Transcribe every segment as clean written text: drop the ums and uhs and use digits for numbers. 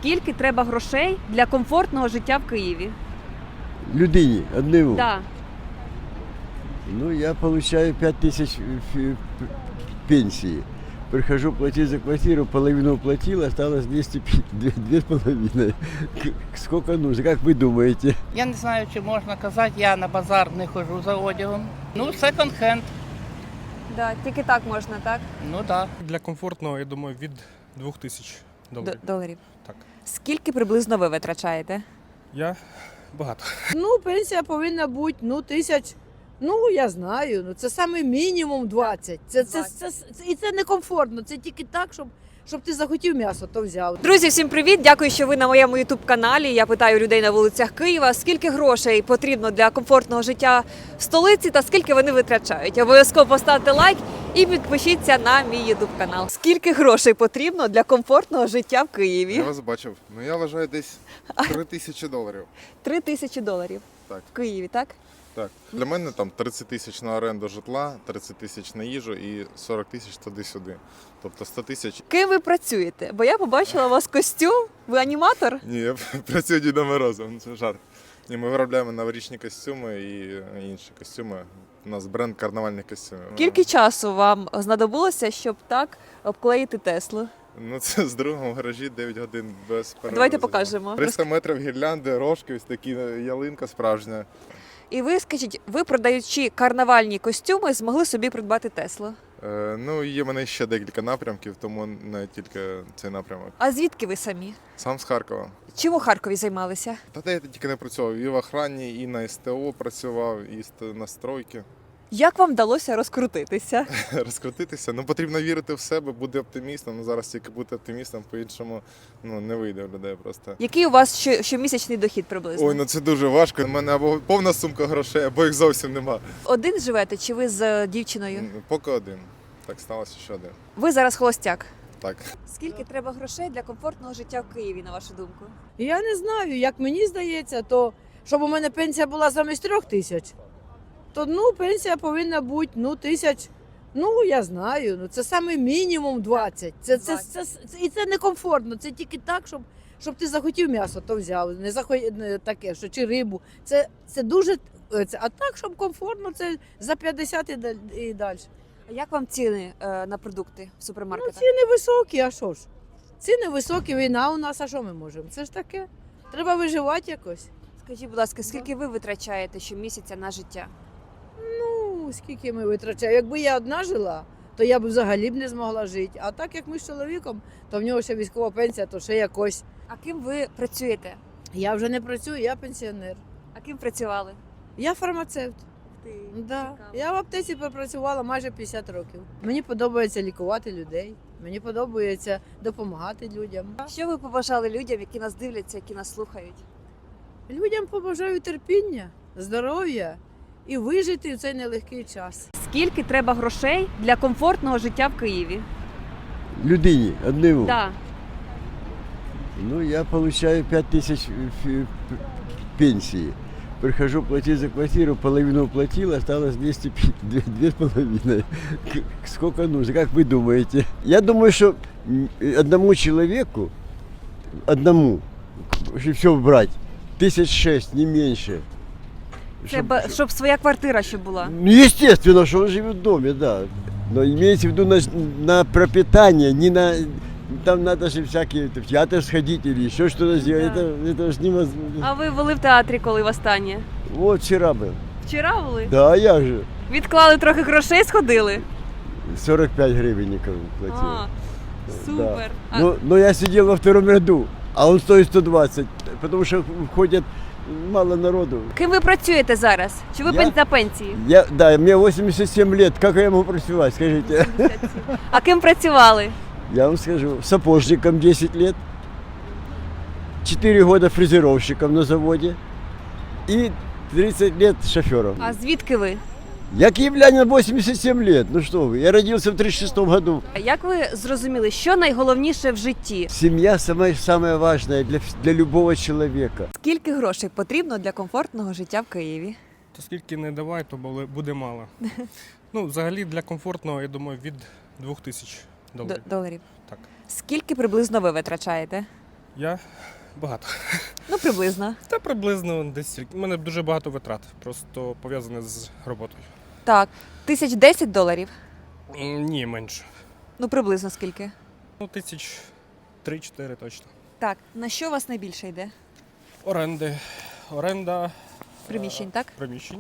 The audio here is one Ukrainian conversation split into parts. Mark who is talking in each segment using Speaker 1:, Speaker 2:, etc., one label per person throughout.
Speaker 1: Скільки треба грошей для комфортного життя в Києві?
Speaker 2: Людине одному.
Speaker 1: Да.
Speaker 2: Ну, я получаю 5000 пенсии. Прихожу платить за квартиру, половину уплатил, осталось 2,5. Сколько нужно, как вы думаете?
Speaker 3: Я не знаю, чи можна казати, я на базар не ходжу за одягом. Ну, секонд-хенд,
Speaker 1: Да, тільки так можна, так?
Speaker 3: ну так.
Speaker 4: Для комфортного, я думаю, від 2000 доларів.
Speaker 1: Доларів.
Speaker 4: Так.
Speaker 1: Скільки приблизно ви витрачаєте?
Speaker 4: Я багато.
Speaker 5: Ну, пенсія повинна бути, тисяч, я знаю, це саме мінімум 20. І це некомфортно, це тільки так, щоб ти захотів м'ясо, то взяв.
Speaker 1: Друзі, всім привіт! Дякую, що ви на моєму ютуб-каналі. Я питаю людей на вулицях Києва, скільки грошей потрібно для комфортного життя в столиці та скільки вони витрачають. Обов'язково поставте лайк і підпишіться на мій ютуб-канал. Скільки грошей потрібно для комфортного життя в Києві?
Speaker 6: Я вас бачив. Ну я вважаю десь 3000 доларів.
Speaker 1: 3000 доларів.
Speaker 6: Так.
Speaker 1: В Києві, так?
Speaker 6: Так. Для мене там 30 тисяч на оренду житла, 30 тисяч на їжу і 40 тисяч туди-сюди. Тобто 100 тисяч.
Speaker 1: Ким ви працюєте? Бо я побачила у вас костюм. Ви аніматор?
Speaker 6: Ні, я працюю Дідом Морозом, це жарт. Ні, ми виробляємо новорічні костюми і інші костюми. У нас бренд карнавальних костюмів.
Speaker 1: Скільки часу вам знадобилося, щоб так обклеїти Теслу?
Speaker 6: Ну це з другом в гаражі 9 годин без перерви.
Speaker 1: Давайте покажемо.
Speaker 6: 300 метрів гірлянди, рожки, ось такі ялинка справжня.
Speaker 1: І ви скажіть, ви продаючи карнавальні костюми, змогли собі придбати Теслу?
Speaker 6: Ну, є в мене ще декілька напрямків, тому не тільки цей напрямок.
Speaker 1: А звідки ви самі?
Speaker 6: Сам з Харкова.
Speaker 1: Чим у Харкові займалися?
Speaker 6: Та де я тільки не працював. І в охрані, і на СТО працював, і на стройки.
Speaker 1: Як вам вдалося розкрутитися?
Speaker 6: Розкрутитися. Ну, потрібно вірити в себе, бути оптимістом. Ну, зараз тільки бути оптимістом, по-іншому не вийде в людей просто.
Speaker 1: Який у вас щомісячний дохід приблизно?
Speaker 6: Ой, це дуже важко. У мене або повна сумка грошей, або їх зовсім нема.
Speaker 1: Один живете чи ви з дівчиною?
Speaker 6: Поки один. Так сталося, що один.
Speaker 1: Ви зараз холостяк.
Speaker 6: Так.
Speaker 1: Скільки треба грошей для комфортного життя в Києві, на вашу думку?
Speaker 5: Я не знаю, як мені здається, то щоб у мене пенсія була замість 3000, то пенсія повинна бути тисяч, я знаю, це саме мінімум 20. І це некомфортно, це тільки так, щоб ти захотів м'ясо, то взяв, не таке, що чи рибу. Це дуже, а так, щоб комфортно, це за 50 і далі.
Speaker 1: А як вам ціни на продукти в супермаркетах?
Speaker 5: Ціни високі, а що ж? Ціни високі, війна у нас, а що ми можемо? Це ж таке. Треба виживати якось.
Speaker 1: Скажіть, будь ласка, скільки ви витрачаєте щомісяця на життя?
Speaker 5: Скільки ми витрачаємо. Якби я одна жила, то я б взагалі б не змогла жити. А так як ми з чоловіком, то в нього ще військова пенсія, то ще якось.
Speaker 1: А ким ви працюєте?
Speaker 5: Я вже не працюю, я пенсіонер.
Speaker 1: А ким працювали?
Speaker 5: Я фармацевт. Да. Я в аптеці пропрацювала майже 50 років. Мені подобається лікувати людей, мені подобається допомагати людям.
Speaker 1: Що ви побажали людям, які нас дивляться, які нас слухають?
Speaker 5: Людям побажаю терпіння, здоров'я і вижити в цей нелегкий час.
Speaker 1: Скільки треба грошей для комфортного життя в Києві?
Speaker 2: Людине одному.
Speaker 1: Да.
Speaker 2: Ну, я получаю 5000 пенсии. Прихожу платить за квартиру, половину уплатил, осталось 2,5. Сколько нужно, как вы думаете? Я думаю, что одному человеку, если все брать, 1006, не меньше.
Speaker 1: Щоб своя квартира ще була.
Speaker 2: Ну, естественно, что он живет в доме, да. Но имеется в виду на пропитание, не на... Там надо же всякие в театр сходить или еще что-то сделать.
Speaker 1: Да.
Speaker 2: Это же невозможно.
Speaker 1: А ви були в театрі коли востаннє?
Speaker 2: Вот вчера был.
Speaker 1: Вчора були?
Speaker 2: Да, я же.
Speaker 1: Відклали трохи грошей, сходили?
Speaker 2: 45 гривенников платил.
Speaker 1: А, супер. А,
Speaker 2: Но я сидел во втором ряду, а он стоит 120, потому что входят мало народу.
Speaker 1: ким ви працюєте зараз? Чи ви
Speaker 2: Я?
Speaker 1: на пенсії?
Speaker 2: Да, мне 87 лет, как я могу працевать, скажите?
Speaker 1: А ким працювали?
Speaker 2: Я вам скажу, сапожником 10 лет, 4 года фрезеровщиком на заводе и 30 лет шофером.
Speaker 1: А звідки ви?
Speaker 2: Я киевлянин 87 лет, ну что вы, я родился в 36 году.
Speaker 1: Як ви зрозуміли, що найголовніше в житті?
Speaker 2: Семья самое важное для любого человека.
Speaker 1: Скільки грошей потрібно для комфортного життя в Києві?
Speaker 4: То скільки не давай, то буде мало. Ну, взагалі для комфортного, я думаю, від 2000 доларів.
Speaker 1: Доларів.
Speaker 4: Так.
Speaker 1: Скільки приблизно ви витрачаєте?
Speaker 4: Я багато.
Speaker 1: Ну, приблизно.
Speaker 4: Та приблизно десь рік. У мене дуже багато витрат, просто пов'язане з роботою.
Speaker 1: Так, $1010?
Speaker 4: Ні, менше.
Speaker 1: Ну, приблизно скільки?
Speaker 4: Ну, 3-4 точно.
Speaker 1: Так, на що у вас найбільше йде?
Speaker 4: Оренда
Speaker 1: Приміщень, так?
Speaker 4: приміщень,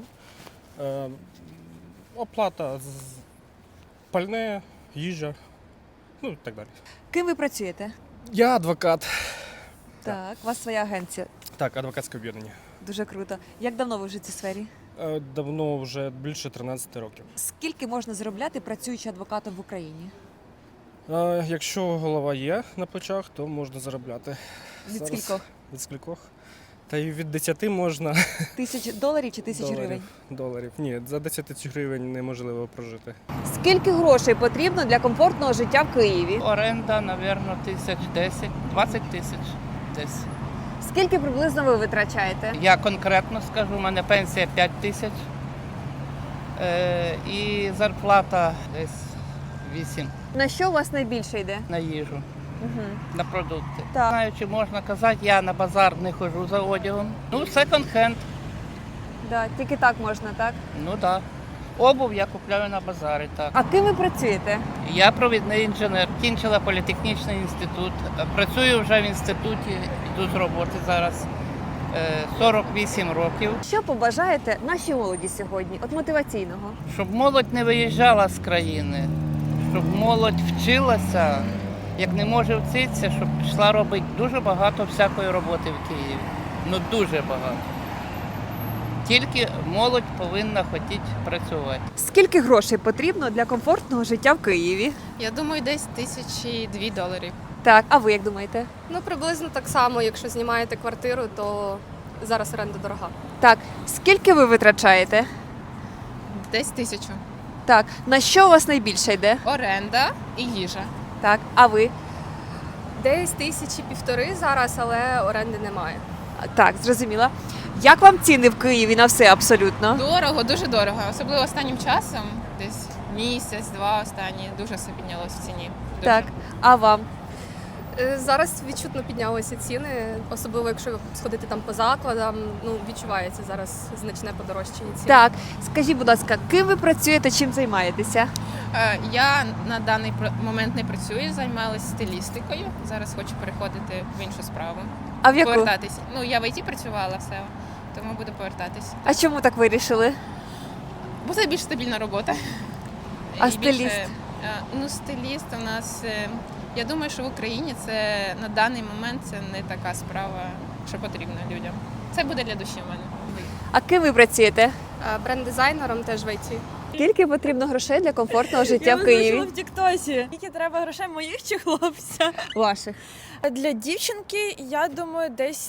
Speaker 4: оплата пальне, їжа, ну і так далі.
Speaker 1: Ким ви працюєте?
Speaker 4: Я адвокат.
Speaker 1: Так, у вас своя агенція.
Speaker 4: Так, адвокатське об'єднання.
Speaker 1: Дуже круто. Як давно ви вже в цій сфері?
Speaker 4: Давно, вже більше 13 років.
Speaker 1: Скільки можна заробляти, працюючи адвокатом в Україні?
Speaker 4: Якщо голова є на плечах, то можна заробляти.
Speaker 1: Від
Speaker 4: Зараз
Speaker 1: скількох?
Speaker 4: Від скількох? Та й від 10 можна.
Speaker 1: $1000 чи 1000 гривень?
Speaker 4: Доларів. Ні, за 10 тисяч гривень неможливо прожити.
Speaker 1: Скільки грошей потрібно для комфортного життя в Києві?
Speaker 3: Оренда, напевно, 1010, 20 тисяч десь.
Speaker 1: Скільки приблизно ви витрачаєте?
Speaker 3: Я конкретно скажу, у мене пенсія 5 тисяч. І зарплата десь 8
Speaker 1: На що у вас найбільше йде?
Speaker 3: на їжу,
Speaker 1: Угу.
Speaker 3: на продукти.
Speaker 1: Так.
Speaker 3: Знаю, чи можна казати, я на базар не ходжу за одягом. Ну, секонд-хенд,
Speaker 1: Да, тільки так можна, так?
Speaker 3: ну так. Да. Обув я купляю на базарі, так.
Speaker 1: А ким ви працюєте?
Speaker 3: Я провідний інженер, кінчила політехнічний інститут. Працюю вже в інституті, йду з роботи зараз 48 років.
Speaker 1: Що побажаєте нашій молоді сьогодні? От мотиваційного.
Speaker 3: Щоб молодь не виїжджала з країни, щоб молодь вчилася, як не може вчитися, щоб пішла робити дуже багато всякої роботи в Києві. Ну дуже багато. Тільки молодь повинна хотіти працювати.
Speaker 1: Скільки грошей потрібно для комфортного життя в Києві?
Speaker 7: Я думаю, десь $1002.
Speaker 1: Так, а ви як думаєте?
Speaker 7: Ну, приблизно так само, якщо знімаєте квартиру, то зараз оренда дорога.
Speaker 1: Так, скільки ви витрачаєте?
Speaker 7: Десь 1000.
Speaker 1: Так, на що у вас найбільше йде?
Speaker 7: Оренда і їжа.
Speaker 1: Так, а ви?
Speaker 7: Десь 1500 зараз, але оренди немає.
Speaker 1: Так, зрозуміла. Як вам ціни в Києві на все абсолютно?
Speaker 8: Дорого, дуже дорого. Особливо останнім часом, десь місяць-два останні, дуже все піднялось в ціні. Дуже.
Speaker 1: Так, а вам?
Speaker 7: Зараз відчутно піднялися ціни, особливо якщо сходити там по закладам, ну відчувається зараз значне подорожчання цін.
Speaker 1: Так, скажіть, будь ласка, ким ви працюєте, чим займаєтеся?
Speaker 8: Я на даний момент не працюю, займалася стилістикою. Зараз хочу переходити в іншу справу.
Speaker 1: А в яку?
Speaker 8: Повертатись. Ну, я в ІТ працювала все, тому буду повертатись.
Speaker 1: А чому так вирішили?
Speaker 8: Бо це більш стабільна робота.
Speaker 1: А
Speaker 8: І
Speaker 1: стиліст?
Speaker 8: більше, ну, стиліст у нас, я думаю, що в Україні це на даний момент це не така справа, що потрібна людям. Це буде для душі в мене.
Speaker 1: А ким ви працюєте?
Speaker 7: Бренд-дизайнером теж в ІТ.
Speaker 1: Скільки потрібно грошей для комфортного життя в Києві?
Speaker 9: в Тіктосі. Скільки треба грошей моїх чи хлопця?
Speaker 1: Ваших.
Speaker 9: Для дівчинки, я думаю, десь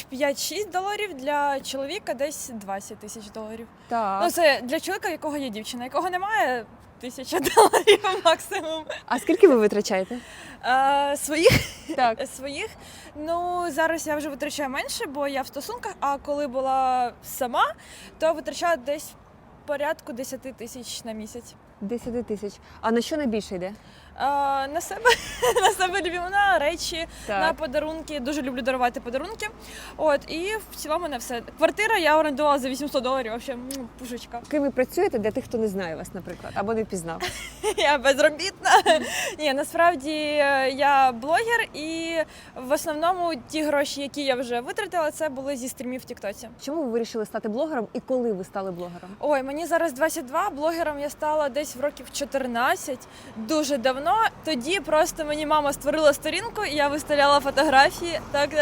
Speaker 9: $5-6, для чоловіка десь $20 тисяч.
Speaker 1: Так.
Speaker 9: Ну, це для чоловіка, якого є дівчина, якого немає, $1000 максимум.
Speaker 1: А скільки ви витрачаєте?
Speaker 9: Своїх?
Speaker 1: Так.
Speaker 9: Своїх. Ну, зараз я вже витрачаю менше, бо я в стосунках, а коли була сама, то витрачала десь порядку 10 тисяч на місяць.
Speaker 1: 10 тисяч. А на що найбільше йде?
Speaker 9: На себе, на себе люблю, на речі,
Speaker 1: Так.
Speaker 9: на подарунки. Дуже люблю дарувати подарунки. От, і в цілому на все. Квартира я орендувала за $800, взагалі, пушечка.
Speaker 1: Ким ви працюєте для тих, хто не знає вас, наприклад, або не впізнав?
Speaker 9: Я безробітна. Ні, насправді я блогер, і в основному ті гроші, які я вже витратила, це були зі стрімів в Тіктоці.
Speaker 1: Чому ви вирішили стати блогером і коли ви стали блогером?
Speaker 9: Ой, мені зараз 22, блогером я стала десь в років 14, дуже давно. Тоді просто мені мама створила сторінку, і я виставляла фотографії, так.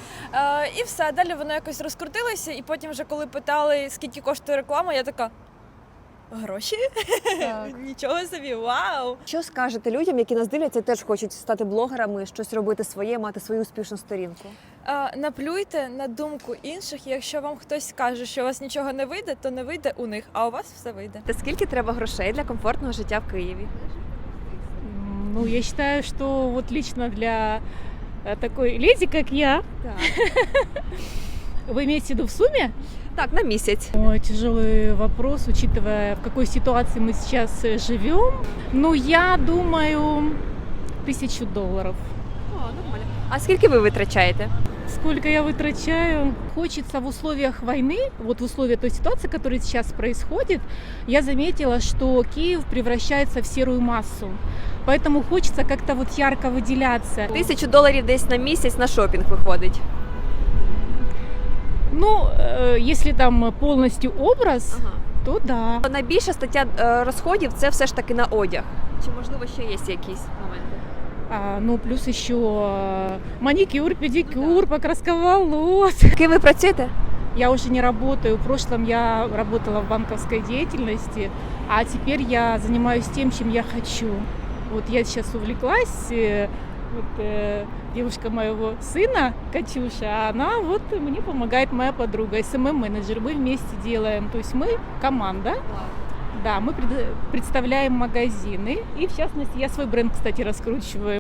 Speaker 9: І все, далі воно якось розкрутилося, і потім вже коли питали, скільки коштує реклама, я така, гроші?
Speaker 1: Так.
Speaker 9: Нічого собі, вау!
Speaker 1: Що скажете людям, які нас дивляться і теж хочуть стати блогерами, щось робити своє, мати свою успішну сторінку?
Speaker 9: Наплюйте на думку інших, і якщо вам хтось скаже, що у вас нічого не вийде, то не вийде у них, а у вас все вийде.
Speaker 1: Та скільки треба грошей для комфортного життя в Києві?
Speaker 10: Ну, я считаю, что вот лично для такой леди, как я, вы имеете в виду в сумме?
Speaker 1: Так, на місяць.
Speaker 10: Ой, тяжелый вопрос, учитывая, в какой ситуации мы сейчас живем. Ну, я думаю, $1000.
Speaker 1: О, нормально. А скільки ви витрачаєте?
Speaker 10: Сколько я вытрачаю? Хочется в условиях войны, вот в условиях той ситуации, которая сейчас происходит, я заметила, что Киев превращается в серую массу. Поэтому хочется как-то вот ярко выделяться.
Speaker 1: $1000 десь на місяць на шопінг виходить.
Speaker 10: Ну, если там полностью образ, то да.
Speaker 1: Найбільша стаття розходів це все ж таки на одяг. Чи можливо ще є якісь моменти?
Speaker 10: Ну, плюс еще маникюр, педикюр, покраска волос.
Speaker 1: Ким ви працюєте?
Speaker 10: Я уже не работаю. В прошлом я работала в банковской деятельности, а теперь я занимаюсь тем, чем я хочу. Вот я сейчас увлеклась, девушка моего сына, Катюша, она вот мне помогает, моя подруга, СММ-менеджер. Мы вместе делаем, то есть мы команда. Да, мы представляем магазины, и в частности я свой бренд, кстати, раскручиваю.